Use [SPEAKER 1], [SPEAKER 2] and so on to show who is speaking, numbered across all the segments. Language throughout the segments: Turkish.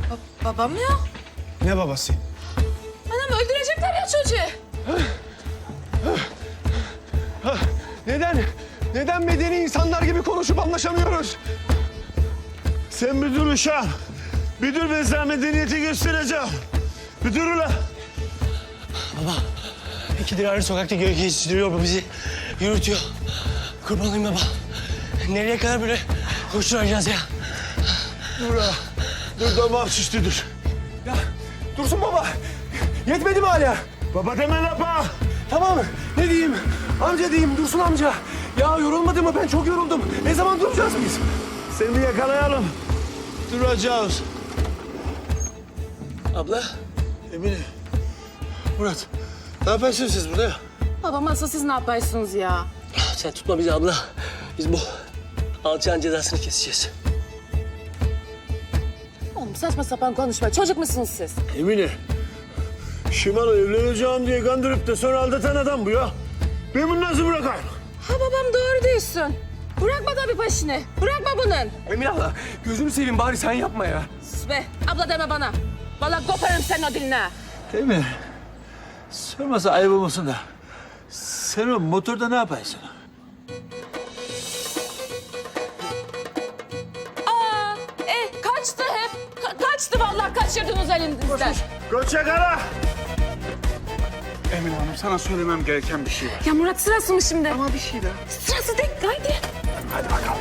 [SPEAKER 1] Babam ya.
[SPEAKER 2] Ne babası?
[SPEAKER 1] Anam öldürecekler ya çocuğu.
[SPEAKER 2] Neden medeni insanlar gibi konuşup anlaşamıyoruz?
[SPEAKER 3] Sen bir dur uşağım. Bir dur, ben sana medeniyeti göstereceğim. Bir dur ulan.
[SPEAKER 4] İkidir arı sokakta geçiştiriyor bu bizi. Yürütüyor. Kurban olayım baba. Nereye kadar böyle koşturacağız ya?
[SPEAKER 3] Dur ha. Dur, damağım şişti, dur.
[SPEAKER 2] Ya Dursun baba. Yetmedi mi hala?
[SPEAKER 3] Baba deme lapa.
[SPEAKER 2] Tamam. Ne diyeyim? Amca diyeyim, Dursun amca. Ya yorulmadı mı? Ben çok yoruldum. Ne zaman duracağız biz?
[SPEAKER 3] Seni bir yakalayalım. Duracağız.
[SPEAKER 4] Abla.
[SPEAKER 3] Emine. Murat. Ne yapıyorsunuz siz burada ya?
[SPEAKER 1] Babam asıl siz ne yapıyorsunuz ya?
[SPEAKER 4] Sen tutma bizi abla. Biz bu alçağın cezasını keseceğiz.
[SPEAKER 1] Oğlum saçma sapan konuşma. Çocuk musunuz siz?
[SPEAKER 3] Emine. Şimal evleneceğim diye kandırıp da sonra aldatan adam bu ya. Ben bunu nasıl bırakayım?
[SPEAKER 1] Ha babam doğru diyorsun. Bırakma tabii peşini. Bırakma bunun.
[SPEAKER 2] Emine abla, gözünü seveyim bari sen yapma ya.
[SPEAKER 1] Sus be. Abla deme bana. Vallahi koparım senin o diline.
[SPEAKER 3] Emine. Sormasa ayıp olmasın da. Sen o motorda ne yapıyorsun?
[SPEAKER 1] Kaçtı hep. Kaçtı vallahi kaçırdınız elinizden.
[SPEAKER 3] Koça kara.
[SPEAKER 5] Emine Hanım, sana söylemem gereken bir şey var.
[SPEAKER 1] Ya Murat sırası mı şimdi?
[SPEAKER 5] Ama bir şey daha.
[SPEAKER 1] Sırası değil. Haydi.
[SPEAKER 5] Hadi bakalım.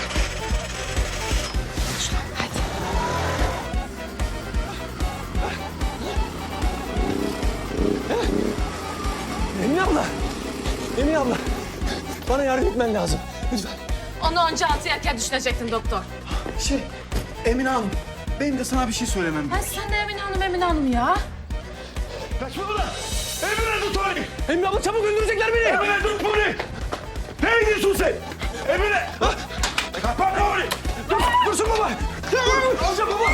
[SPEAKER 2] Emine abla. Emine abla. Bana yardım etmen lazım. Lütfen.
[SPEAKER 1] Onu önce altı yerken düşünecektin doktor.
[SPEAKER 5] Emine Hanım, benim de sana bir şey söylemem
[SPEAKER 1] Ha sen de Emine Hanım ya.
[SPEAKER 3] Kaçma ulan. Emine tut onu.
[SPEAKER 2] Emine abla çabuk öldürecekler beni.
[SPEAKER 3] Emine tut bunu. Ne gidiyorsun sen? Emine. Kapat onu.
[SPEAKER 2] Dursun baba. Amca baba.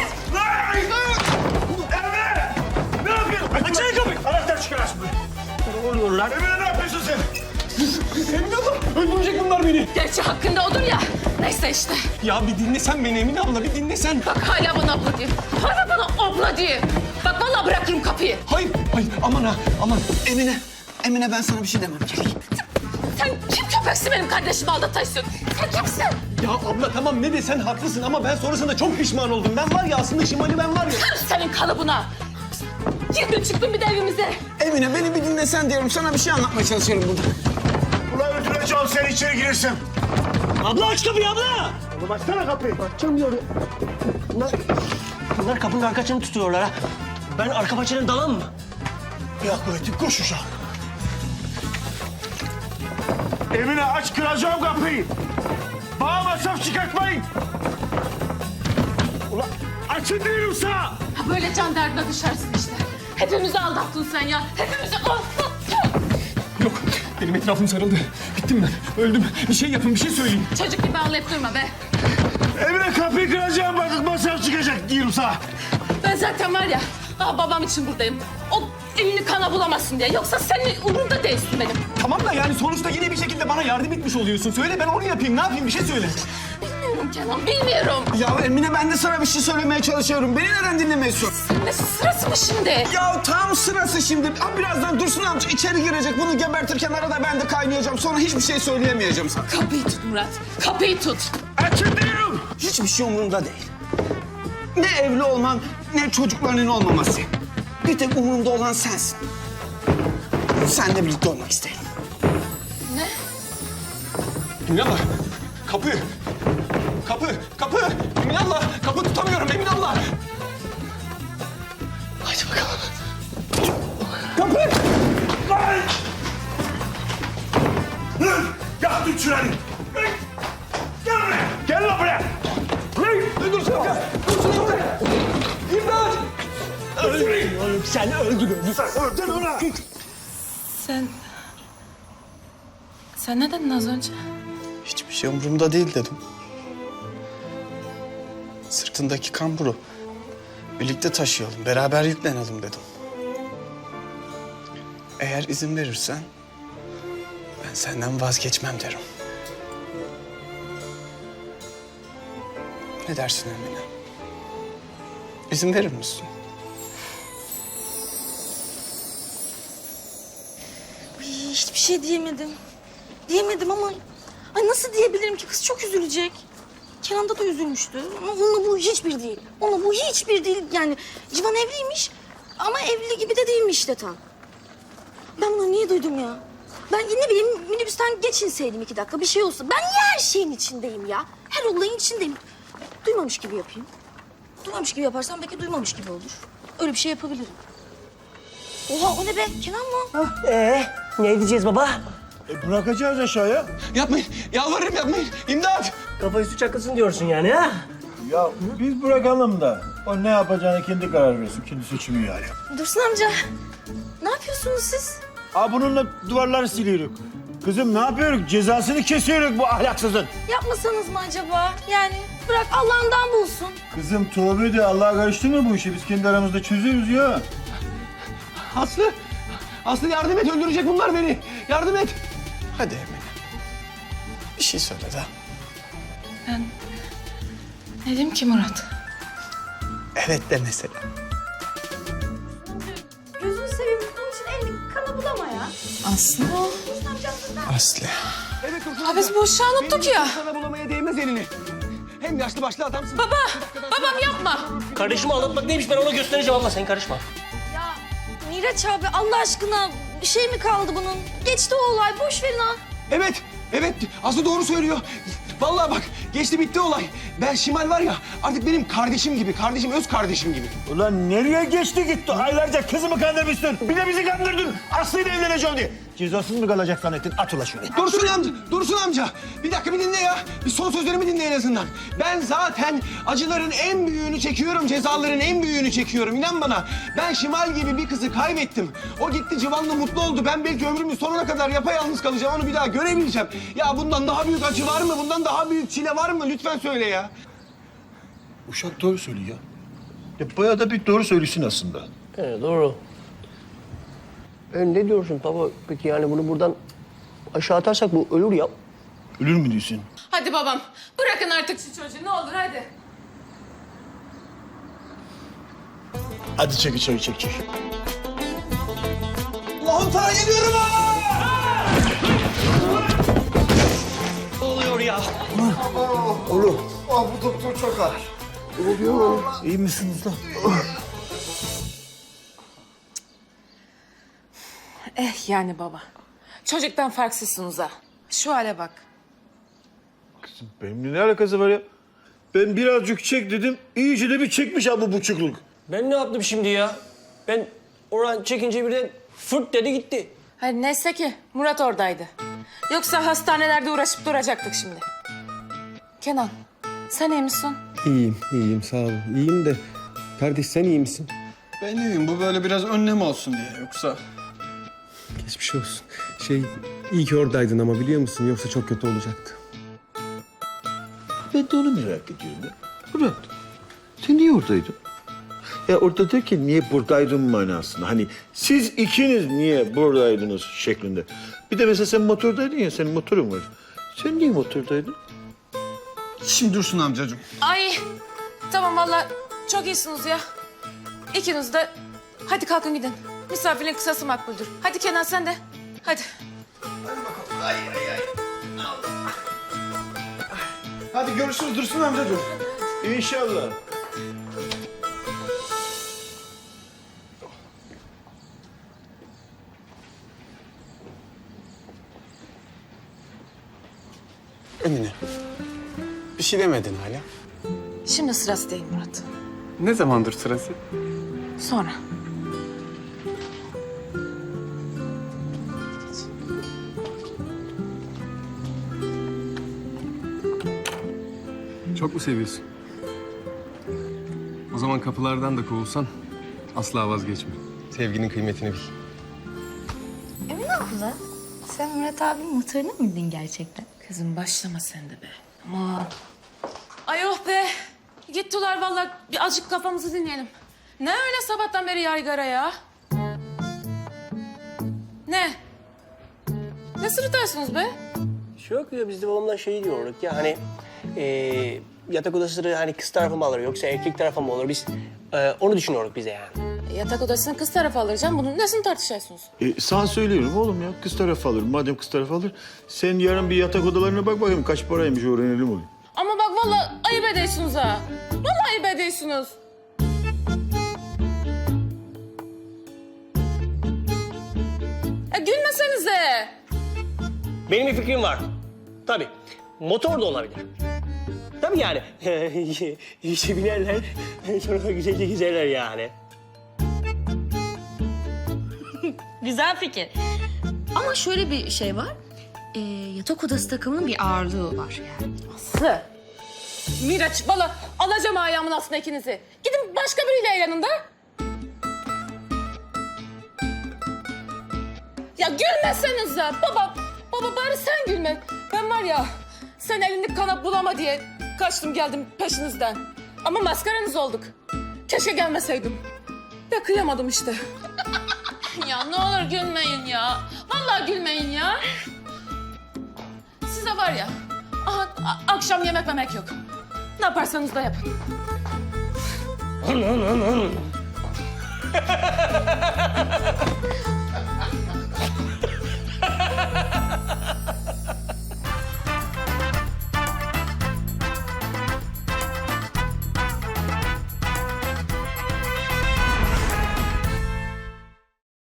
[SPEAKER 3] Emine. Ne yapıyorsun? Açın kapıyı. Anahtar çıkar aç burayı.
[SPEAKER 4] Ne oluyor lan?
[SPEAKER 3] Emine ne yapıyorsun sen?
[SPEAKER 2] Emine abla öldürecek bunlar beni.
[SPEAKER 1] Gerçi hakkında odur ya. Neyse işte.
[SPEAKER 2] Ya bir dinlesen beni Emine abla, bir dinlesen.
[SPEAKER 1] Bak hala bana abla diyor. Hala bana abla diyor. Bak vallahi bırakırım kapıyı.
[SPEAKER 2] Hayır, aman ha, aman.
[SPEAKER 5] Emine, ben sana bir şey demem gerek.
[SPEAKER 1] Sen kim köpeksin benim kardeşimi aldatıyorsun? Sen kimsin?
[SPEAKER 2] Ya abla tamam ne desen haklısın ama ben sonrasında çok pişman oldum. Ben var ya aslında Şimali ben var ya.
[SPEAKER 1] Senin kalıbına. Girdin çıktın bir de evimize.
[SPEAKER 5] Emine, beni bir dinlesen diyorum. Sana bir şey anlatmaya çalışıyorum burada.
[SPEAKER 3] Ulan öldüreceğim sen içeri girersin.
[SPEAKER 4] Abla aç kapıyı abla!
[SPEAKER 3] Oğlum açsana kapıyı.
[SPEAKER 4] Bunlar kapının arkasını tutuyorlar ha. Ben arka bahçeden dalan mı?
[SPEAKER 3] Ya kuvvetim koş uşağım. Emine aç, kıracağım kapıyı. Bana masraf çıkartmayın. Ulan açın diyorum sana.
[SPEAKER 1] Ha böyle can derdine düşersin işte. Hepimizi aldattın sen ya. Hepimizi aldattın.
[SPEAKER 2] Yok, benim etrafım sarıldı. Bittim ben, öldüm. Bir şey yapın, bir şey söyleyin.
[SPEAKER 1] Çocuk gibi ağlayıp durma be.
[SPEAKER 3] Emine kapıyı kıracağım, bakın masraf çıkacak diyorum sana.
[SPEAKER 1] Ben zaten var ya, babam için buradayım. O elini kana bulamasın diye. Yoksa senin umurumda değilsin benim.
[SPEAKER 2] Tamam da yani sonuçta yine bir şekilde bana yardım etmiş oluyorsun. Söyle ben onu yapayım, ne yapayım bir şey söyle.
[SPEAKER 1] Bilmiyorum Kenan, bilmiyorum.
[SPEAKER 5] Ya Emine, ben de sana bir şey söylemeye çalışıyorum. Beni neden dinlemiyorsun?
[SPEAKER 1] Ne sırası mı şimdi?
[SPEAKER 5] Ya tam sırası şimdi. Ha, birazdan Dursun amca içeri girecek. Bunu gebertirken arada ben de kaynayacağım. Sonra hiçbir şey söyleyemeyeceğim sana.
[SPEAKER 1] Kapıyı tut Murat, kapıyı tut.
[SPEAKER 3] Açın diyorum.
[SPEAKER 5] Hiçbir şey umurumda değil. Ne evli olman, ne çocuklarının olmaması. Bir tek umurumda olan sensin. Seninle birlikte olmak isterim.
[SPEAKER 1] Ne?
[SPEAKER 2] Emin abla, kapı. Emin abla, kapı tutamıyorum Emin abla.
[SPEAKER 4] Haydi bakalım.
[SPEAKER 2] Kapı.
[SPEAKER 3] Lan! Hı! Ya tut şurayı. Hı! Gel buraya. Gel lan buraya. Hı!
[SPEAKER 2] Dursun amca, İmdat!
[SPEAKER 4] Oğlum sen öldün.
[SPEAKER 3] Sen öldün ona.
[SPEAKER 1] Sen ne dedin az önce?
[SPEAKER 5] Hiçbir şey umurumda değil dedim. Sırtındaki kamburu birlikte taşıyalım, beraber yüklenelim dedim. Eğer izin verirsen ben senden vazgeçmem derim. Ne dersin Emine? İzin verir misin?
[SPEAKER 6] Ay, hiçbir şey diyemedim. Diyemedim ama... Ay nasıl diyebilirim ki? Kız çok üzülecek. Kenan da üzülmüştü. Ama onunla bu hiçbir değil. Onunla bu hiçbir değil. Yani Civan evliymiş ama evli gibi de değilmiş işte tam. Ben bunu niye duydum ya? Ben ne bileyim minibüsten geçinseydim 2 dakika bir şey olsa. Ben niye her şeyin içindeyim ya? Her olayın içindeyim. Duymamış gibi yapayım. Duymamış gibi yaparsam belki duymamış gibi olur. Öyle bir şey yapabilirim. Oha o ne be? Kenan mı?
[SPEAKER 4] Ne edeceğiz baba?
[SPEAKER 3] Bırakacağız aşağıya.
[SPEAKER 5] Yapmayın. Yalvarırım yapmayın. İmdat.
[SPEAKER 4] Kafa üstü çakılsın diyorsun yani ha?
[SPEAKER 3] Ya biz bırakalım da o ne yapacağını kendi karar versin. Kendi seçimi yani.
[SPEAKER 6] Dursun amca. Ne yapıyorsunuz siz?
[SPEAKER 3] Aa bununla duvarları siliyoruz. Kızım ne yapıyoruz? Cezasını kesiyoruz bu ahlaksızın.
[SPEAKER 6] Yapmasanız mı acaba? Yani bırak Allah'ından bulsun.
[SPEAKER 3] Kızım tövbe de Allah'a karıştırma bu işi. Biz kendi aramızda çözüyoruz ya.
[SPEAKER 5] Aslı. Aslı yardım et. Öldürecek bunlar beni. Yardım et. Hadi Emine. Bir şey söyle de.
[SPEAKER 1] Ne diyeyim ki Murat?
[SPEAKER 5] Evet de mesela.
[SPEAKER 6] Gözünü seveyim. Bunun için elini kana bulama ya.
[SPEAKER 1] Aslı.
[SPEAKER 5] Aslı. Evet Dursun
[SPEAKER 1] Ha biz bu uşağı unuttuk ya.
[SPEAKER 5] Sana bulamaya değmez elini. Hem yaşlı başlı adamsın.
[SPEAKER 1] Baba, babam yapma.
[SPEAKER 4] Kardeşimi anlatmak neymiş ben ona göstereceğim abla sen karışma.
[SPEAKER 6] Ya Miraç abi Allah aşkına bir şey mi kaldı bunun? Geçti o olay. Boş verin ha.
[SPEAKER 5] Evet. Evet. Aslı doğru söylüyor. Vallahi bak geçti bitti olay. Ben Şimal var ya artık benim kardeşim gibi. Kardeşim öz kardeşim gibi.
[SPEAKER 3] Ulan nereye geçti gitti? Aylarca kızımı kandırmışsın. Bir de bizi kandırdın. Aslı'yla evleneceğim diye. Cezasız mı kalacak zannettin? At ula şunu.
[SPEAKER 5] Dursun amca, Dursun amca. Bir dakika bir dinle ya. Bir son sözlerimi dinle en azından. Ben zaten acıların en büyüğünü çekiyorum, cezaların en büyüğünü çekiyorum. İnan bana. Ben Şimal gibi bir kızı kaybettim. O gitti Civan'la mutlu oldu. Ben belki ömrümün sonuna kadar yapayalnız kalacağım. Onu bir daha göremeyeceğim. Ya bundan daha büyük acı var mı? Bundan daha büyük çile var mı? Lütfen söyle ya.
[SPEAKER 3] Uşak doğru söylüyor. Ya bayağı da bir doğru söylüyorsun aslında.
[SPEAKER 4] Evet doğru. Ne diyorsun baba? Peki yani bunu buradan aşağı atarsak bu ölür ya.
[SPEAKER 3] Ölür mü diyorsun?
[SPEAKER 1] Hadi babam, bırakın artık şu çocuğu ne olur hadi.
[SPEAKER 3] Hadi çek içeri çek.
[SPEAKER 5] Allah'ım sana geliyorum ha!
[SPEAKER 4] Ne oluyor ya?
[SPEAKER 3] İyi misiniz lan?
[SPEAKER 1] Yani baba. Çocuktan farksızsınız ha. Şu hale bak.
[SPEAKER 3] Kızım benimle ne alakası var ya? Ben birazcık çek dedim. İyice de bir çekmiş ha bu buçukluk.
[SPEAKER 4] Ben ne yaptım şimdi ya? Ben oradan çekince birden fırt dedi gitti.
[SPEAKER 1] Hadi neyse ki Murat oradaydı. Yoksa hastanelerde uğraşıp duracaktık şimdi. Kenan, sen iyi misin?
[SPEAKER 2] İyiyim sağ olun. İyiyim de kardeş sen iyi misin?
[SPEAKER 5] Ben iyiyim. Bu böyle biraz önlem olsun diye. Yoksa...
[SPEAKER 2] Geçmiş olsun. İyi ki oradaydın ama biliyor musun? Yoksa çok kötü olacaktı.
[SPEAKER 3] Ben de onu merak ediyorum ya. Murat, sen niye oradaydın? Ya orada derken niye buradaydın manasında. Hani siz ikiniz niye buradaydınız şeklinde. Bir de mesela sen motordaydın ya, senin motorun var. Sen niye motordaydın?
[SPEAKER 5] Şimdi Dursun amcacığım.
[SPEAKER 1] Ay, tamam vallahi çok iyisiniz ya. İkiniz de hadi kalkın gidin. Misafirin kısası makbuldür. Hadi Kenan sen de. Hadi.
[SPEAKER 5] Hadi görüşürüz Dursun amcacığım.
[SPEAKER 3] İnşallah.
[SPEAKER 5] Emine. Bir şey demedin hala.
[SPEAKER 1] Şimdi sırası değil Murat.
[SPEAKER 5] Ne zamandır sırası?
[SPEAKER 1] Sonra.
[SPEAKER 7] Çok mu seviyorsun? O zaman kapılardan da kovulsan asla vazgeçme. Sevginin kıymetini bil.
[SPEAKER 6] Emine abla sen Murat abinin motoruna mı bindin gerçekten?
[SPEAKER 1] Kızım başlama sen de be. Aman. Ay oh be. Gittiler vallahi bir azıcık kafamızı dinleyelim. Ne öyle sabahtan beri yaygara ya? Ne? Ne sırıtarsınız be?
[SPEAKER 4] Yok ya biz de babamdan şey diyorduk ya hani yatak odası hani kız tarafı mı alır yoksa erkek tarafı mı olur? Biz onu düşünüyoruz bize yani.
[SPEAKER 1] Yatak odasını kız tarafı alacağım. Bunun nesini tartışıyorsunuz?
[SPEAKER 3] Sana söylüyorum oğlum ya. Kız tarafı alır. Madem kız tarafı alır. Sen yarın bir yatak odalarına bak bakayım. Kaç paraymış öğrenelim onu.
[SPEAKER 1] Ama bak vallahi ayıp ediyorsunuz ha. Vallahi ayıp ediyorsunuz. Gülmesenize.
[SPEAKER 4] Benim bir fikrim var. Tabii. Motor da olabilir. Tabii yani. İşe binerler. Sonra da güzelce gezerler yani.
[SPEAKER 6] Güzel fikir. Ama şöyle bir şey var. Yatak odası takımının bir ağırlığı var yani.
[SPEAKER 1] Aslı. Miraç valla alacağım ayağımın altına ikinizi. Gidin başka biriyle eğlenin de. Ya gülmesenize baba. Baba bari sen gülme. Ben var ya sen elini kana bulama diye kaçtım geldim peşinizden. Ama maskaranız olduk. Keşke gelmeseydim. Ya kıyamadım işte. Ya ne olur gülmeyin ya. Vallahi gülmeyin ya. Size var ya. Aha, akşam yemek memek yok. Ne yaparsanız da yapın.